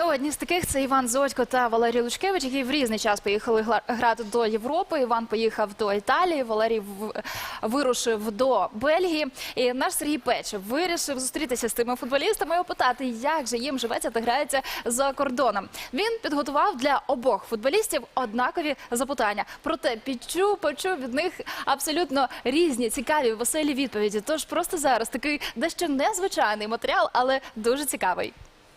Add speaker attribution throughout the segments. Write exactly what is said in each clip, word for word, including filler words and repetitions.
Speaker 1: Ну, одні з таких – це Іван Зодько та Валерій Лучкевич, які в різний час поїхали гла- грати до Європи. Іван поїхав до Італії, Валерій в- вирушив до Бельгії. І наш Сергій Печев вирішив зустрітися з тими футболістами і опитати, як же їм живеться та грається за кордоном. Він підготував для обох футболістів однакові запитання. Проте підчув, почув від них абсолютно різні, цікаві, веселі відповіді. Тож просто зараз такий дещо незвичайний матеріал, але дуже цікавий.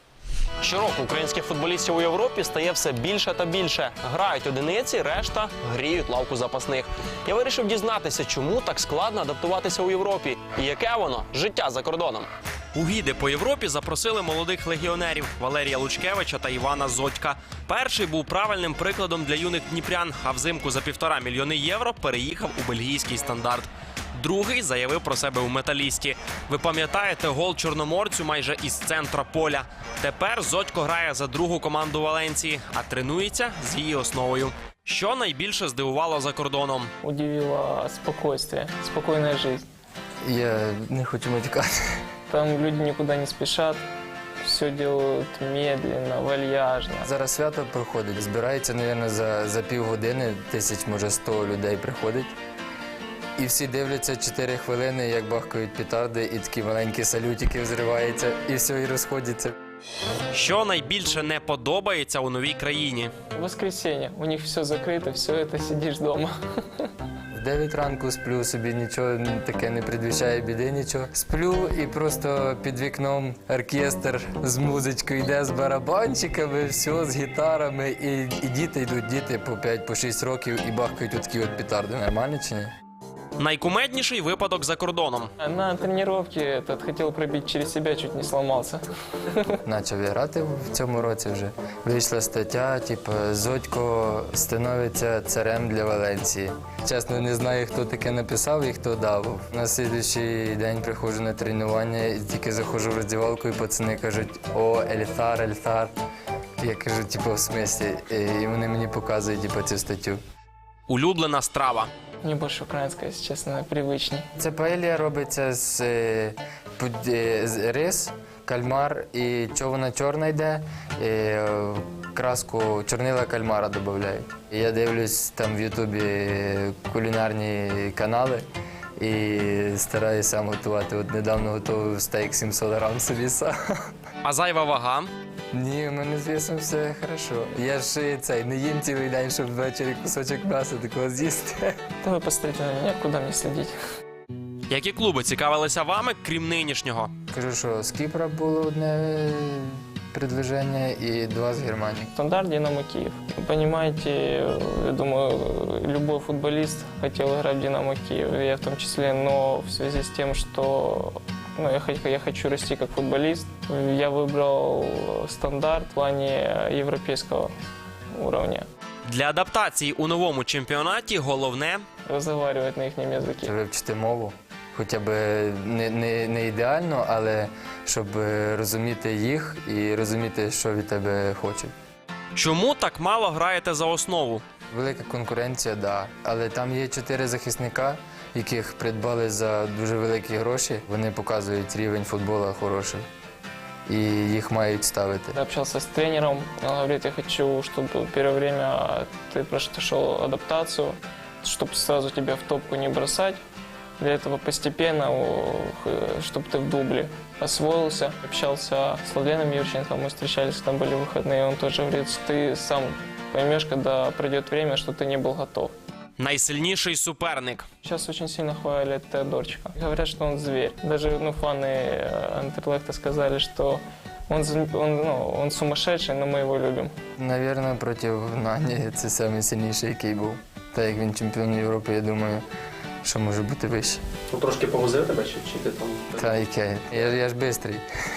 Speaker 2: Щороку українських футболістів у Європі стає все більше та більше. Грають одиниці, решта гріють лавку запасних. Я вирішив дізнатися, чому так складно адаптуватися у Європі і яке воно життя за кордоном. У гіди по Європі запросили молодих легіонерів Валерія Лучкевича та Івана Зодька. Перший був правильним прикладом для юних дніпрян, а взимку за півтора мільйони євро переїхав у бельгійський Стандарт. Другий заявив про себе у Металісті. Ви пам'ятаєте гол чорноморцю майже із центра поля. Тепер Зодько грає за другу команду Валенції, а тренується з її основою. Що найбільше здивувало за кордоном?
Speaker 3: Удивило спокойствие, спокойная жизнь.
Speaker 4: Я не хочу матюкати.
Speaker 3: Там люди никуда не спешат, все делают медленно, вальяжно.
Speaker 4: Зараз свято проходить. Збирається, мабуть, за, за півгодини, тисяч, може, сто людей приходить. І всі дивляться чотири хвилини, як бахкають петарди, і такі маленькі салютики взриваються, і все, і розходяться.
Speaker 2: Що найбільше не подобається у новій країні?
Speaker 3: Воскресенье, у них все закрыто, все это сидишь дома.
Speaker 4: В дев'ять ранку сплю, собі нічого таке не предвіщає біди, нічого. Сплю і просто під вікном оркестр з музичкою йде, з барабанчиками, все, з гітарами. І, і діти йдуть, діти по п'ять шість років і бахкають отакі от петарди. Нормально чи ні?
Speaker 2: Найкумедніший випадок за кордоном.
Speaker 3: На тренировке этот хотел пробить через себя, чуть не сломался.
Speaker 4: Почав я грати в цьому році вже. Вийшла стаття, типу, Зодько становиться царем для Валенції. Чесно, не знаю, хто таке написав і хто дав. На слідуючий день приходжу на тренування, і тільки заходжу в роздівалку, і пацани кажуть: «О, Ельфар, Ельфар». Я кажу, типу, в смислі? І вони мені показують, типу, цю статтю.
Speaker 2: Улюблена страва.
Speaker 3: Мне больше украинская, если честно, привычней.
Speaker 4: Це паелія робиться з, е, пуд- е, з рис, кальмар, і чого вона чорна йде, і, е, краску чорнила кальмара додають. Я дивлюсь там в Ютубі кулінарні канали і стараюся сам готувати. От недавно готував стейк сімсот грам собі сам.
Speaker 2: А зайва вага?
Speaker 4: Ні, у мене з весом все хорошо. Я ж е, цей, не їм цілий день, щоб ввечері кусочок м'яса такого з'їсти.
Speaker 3: Да вы посмотрите на меня, куда мне следить.
Speaker 2: Які клуби цікавилися вами, крім нинішнього?
Speaker 4: Кажу, що з Кіпра було одне предложення і два з Германії.
Speaker 3: Стандарт «Динамо Киев». Вы понимаете, я думаю, любой футболист хотел играть в «Динамо Киев», я в том числе, но в связи с тем, что ну, я, хо- я хочу расти как футболист, я выбрал стандарт в плане европейского уровня.
Speaker 2: Для адаптації у новому чемпіонаті головне
Speaker 3: Разговаривать на их
Speaker 4: Це
Speaker 3: языке.
Speaker 4: вивчити мову. Хоча б не, не, не ідеально, але щоб розуміти їх і розуміти, що від тебе хочуть.
Speaker 2: чому так мало граєте за основу?
Speaker 4: Велика конкуренція, так. Да. Але там є чотири захисника, яких придбали за дуже великі гроші. Вони показують рівень футболу хороший. І їх мають ставити.
Speaker 3: Я общался с тренером, он говорит, я хочу, чтобы первое время ты прошел адаптацию, чтобы сразу тебя в топку не бросать. Для этого постепенно, чтобы ты в дубле освоился. Общался с Владленом Юрченко, мы встречались, там были выходные, он тоже говорит, что ты сам поймешь, когда пройдет время, что ты не был готов.
Speaker 2: Найсильніший суперник.
Speaker 3: Сейчас очень сильно хвалят Теодорчика. Говорят, что он зверь. Даже ну, фаны э, Андерлехта сказали, что он, з- он, ну, он сумасшедший, но мы его любим.
Speaker 4: Навірно, проти Нані це найсильніший, який був. Так як він чемпіон Європи, я думаю, що може бути вище.
Speaker 5: Ну, трошки повозив тебе, чи, чи ти там?
Speaker 4: Та яке? Я, я ж бистрий.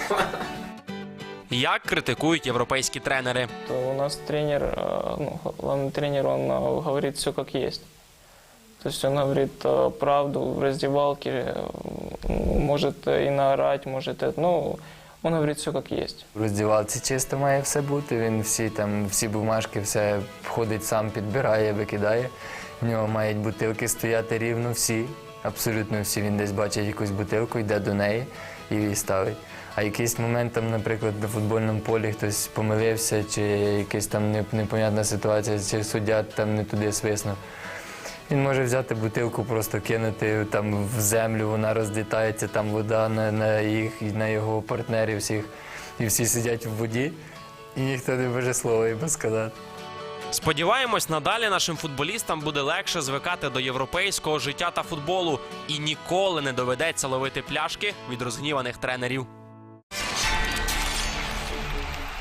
Speaker 2: Як критикують європейські тренери?
Speaker 3: То у нас тренер, э, ну, главный тренер, он э, говорит все как есть. То есть он говорит э, правду в раздевалке, э, может и наорать, может, это, ну, он говорит все как есть.
Speaker 4: В роздівалці чисто має все бути. Він всі там, всі бумажки, все входить сам, підбирає, викидає. В нього мають бутилки стояти рівно всі, абсолютно всі. Він десь бачить якусь бутилку, йде до неї і ставить. А якийсь момент, там, наприклад, на футбольному полі хтось помилився, чи якась там не- непонятна ситуація, чи суддя там не туди свиснув. Він може взяти бутилку, просто кинути там в землю, вона розлітається, там вода на, на, їх, на його партнерів всіх. І всі сидять в воді, і ніхто не може слова їм сказати.
Speaker 2: Сподіваємось, надалі нашим футболістам буде легше звикати до європейського життя та футболу і ніколи не доведеться ловити пляшки від розгніваних тренерів.